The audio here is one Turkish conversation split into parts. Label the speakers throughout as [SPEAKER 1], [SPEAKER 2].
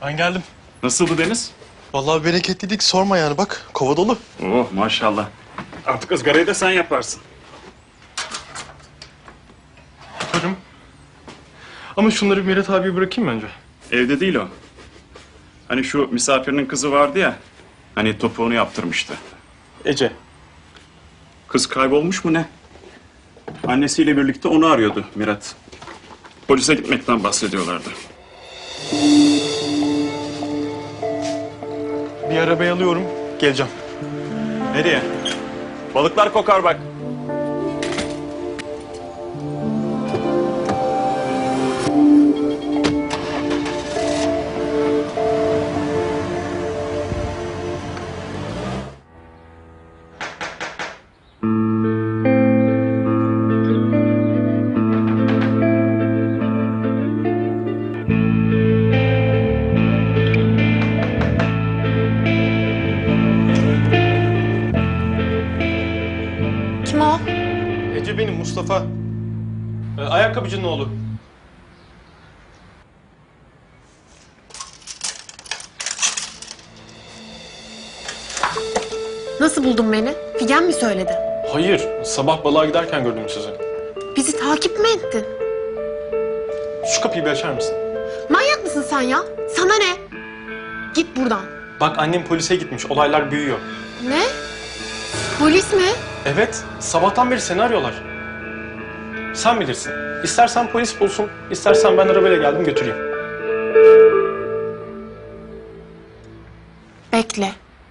[SPEAKER 1] Ben geldim.
[SPEAKER 2] Nasıldı Deniz?
[SPEAKER 1] Vallahi bereketliydik, sorma yani, bak kova dolu.
[SPEAKER 2] Oh maşallah. Artık ızgarayı da sen yaparsın.
[SPEAKER 1] Yaparım. Ama şunları bir Meret abiye bırakayım bence.
[SPEAKER 2] Evde değil o. Hani şu misafirinin kızı vardı ya. Hani topuğunu yaptırmıştı.
[SPEAKER 1] Ece.
[SPEAKER 2] Kız kaybolmuş mu ne? Annesiyle birlikte onu arıyordu Mirat. Polise gitmekten bahsediyorlardı.
[SPEAKER 1] Bir arabayı alıyorum, geleceğim.
[SPEAKER 2] Nereye? Balıklar kokar bak.
[SPEAKER 3] Kim o?
[SPEAKER 1] Ece benim, Mustafa. Ayakkabıcının oğlu.
[SPEAKER 3] Nasıl buldun beni? Figen mi söyledi?
[SPEAKER 1] Hayır, sabah balığa giderken gördüm sizi.
[SPEAKER 3] Bizi takip mi ettin?
[SPEAKER 1] Şu kapıyı bir açar mısın?
[SPEAKER 3] Manyak mısın sen ya? Sana ne? Git buradan.
[SPEAKER 1] Bak annem polise gitmiş, olaylar büyüyor.
[SPEAKER 3] Ne? Polis mi?
[SPEAKER 1] Evet, sabahtan beri seni arıyorlar. Sen bilirsin. İstersen polis bulsun, istersen ben arabayla geldim götüreyim.
[SPEAKER 3] Bekle.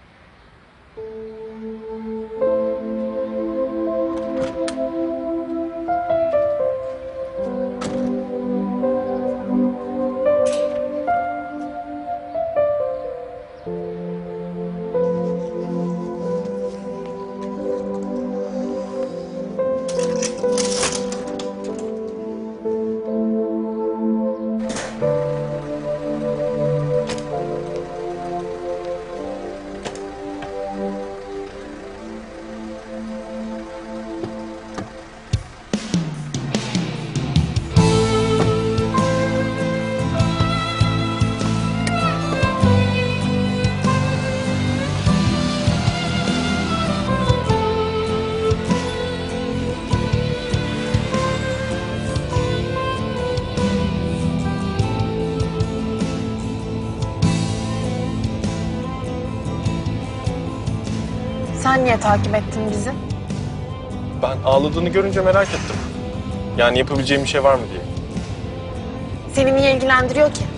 [SPEAKER 3] Sen niye takip ettin bizi?
[SPEAKER 1] Ben ağladığını görünce merak ettim. Yani yapabileceğim bir şey var mı diye.
[SPEAKER 3] Seni niye ilgilendiriyor ki?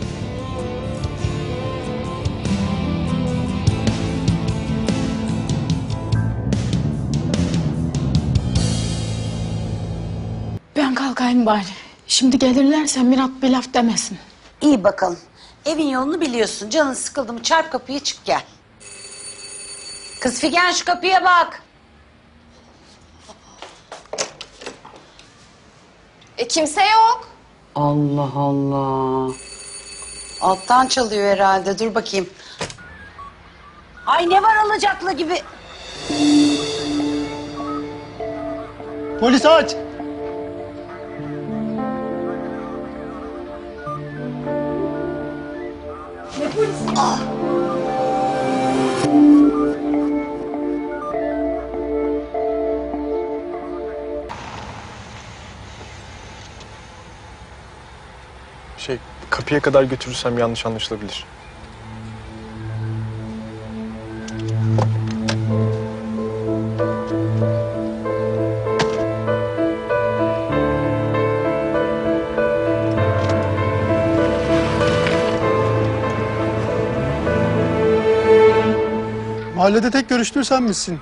[SPEAKER 4] Ben kalkayım bari. Şimdi gelirlerse Mirat bir laf demesin.
[SPEAKER 5] İyi bakalım. Evin yolunu biliyorsun. Canın sıkıldı mı çarp kapıyı çık gel. Kız Figen şu kapıya bak.
[SPEAKER 3] Kimse yok.
[SPEAKER 5] Allah Allah. Alttan çalıyor herhalde. Dur bakayım. Ay ne var alacaklı gibi.
[SPEAKER 6] Polis aç!
[SPEAKER 1] Kapıya kadar götürürsem yanlış anlaşılabilir.
[SPEAKER 6] Mahallede tek görüştüğü sen misin?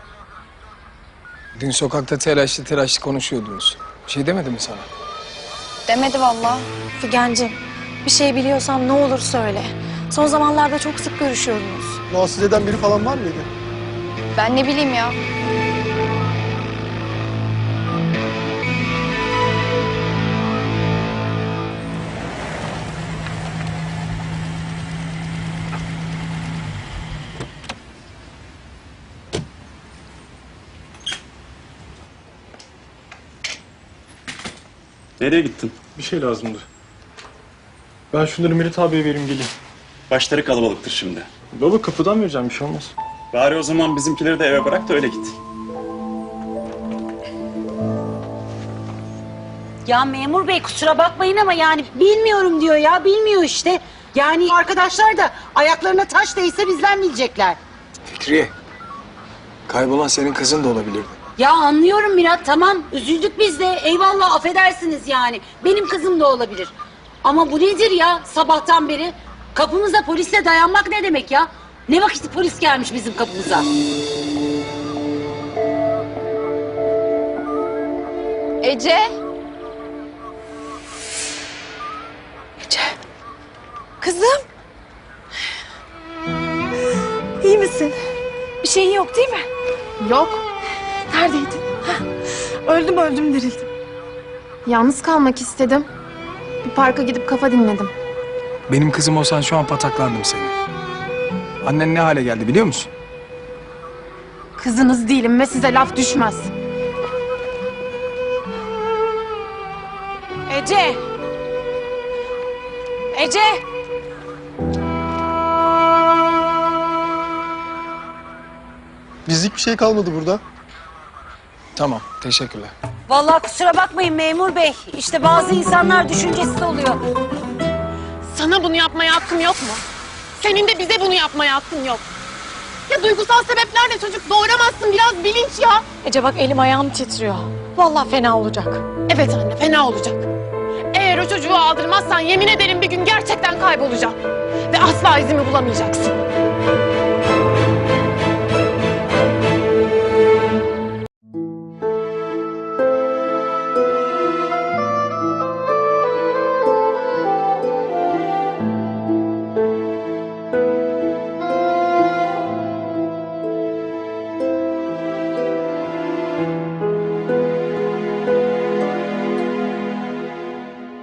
[SPEAKER 7] Dün sokakta telaşlı konuşuyordunuz. Bir şey demedi mi sana?
[SPEAKER 8] Demedi vallahi. Figencim, bir şey biliyorsan ne olur söyle. Son zamanlarda çok sık görüşüyorsunuz.
[SPEAKER 6] Rahatsız eden biri falan var mıydı?
[SPEAKER 8] Ben ne bileyim ya.
[SPEAKER 2] Nereye gittin?
[SPEAKER 1] Bir şey lazımdı. Ben şunları Meret abiye vereyim geleyim.
[SPEAKER 2] Başları kalabalıktır şimdi.
[SPEAKER 1] Baba kapıdan vereceğim, bir şey olmaz.
[SPEAKER 2] Bari o zaman bizimkileri de eve bırak da öyle git.
[SPEAKER 5] Ya memur bey kusura bakmayın ama yani bilmiyorum diyor ya, bilmiyor işte. Yani arkadaşlar da ayaklarına taş değse bizden bilecekler.
[SPEAKER 7] Fikriye. Kaybolan senin kızın da olabilirdi.
[SPEAKER 5] Ya anlıyorum Mirat, tamam üzüldük biz de, eyvallah, affedersiniz yani. Benim kızım da olabilir. Ama bu nedir ya sabahtan beri? Kapımıza polisle dayanmak ne demek ya? Ne vakit polis gelmiş bizim kapımıza?
[SPEAKER 3] Ece.
[SPEAKER 8] Kızım. İyi misin? Bir şeyin yok değil mi?
[SPEAKER 3] Yok.
[SPEAKER 8] Neredeydin? Öldüm dirildim.
[SPEAKER 3] Yalnız kalmak istedim. Bir parka gidip kafa dinledim.
[SPEAKER 7] Benim kızım olsan şu an pataklardım seni. Annen ne hale geldi biliyor musun?
[SPEAKER 3] Kızınız değilim ve size laf düşmez.
[SPEAKER 8] Ece. Ece.
[SPEAKER 6] Bizlik bir şey kalmadı burada.
[SPEAKER 7] Tamam, teşekkürler.
[SPEAKER 5] Vallahi kusura bakmayın memur bey. İşte bazı insanlar düşüncesiz oluyor.
[SPEAKER 3] Sana bunu yapmaya hakkım yok mu? Senin de bize bunu yapmaya hakkın yok. Ya duygusal sebeplerle çocuk doğuramazsın, biraz bilinç ya.
[SPEAKER 8] Ece bak elim ayağım titriyor. Vallahi fena olacak.
[SPEAKER 3] Evet anne, fena olacak. Eğer o çocuğu aldırmazsan yemin ederim bir gün gerçekten kaybolacağım. Ve asla izimi bulamayacaksın.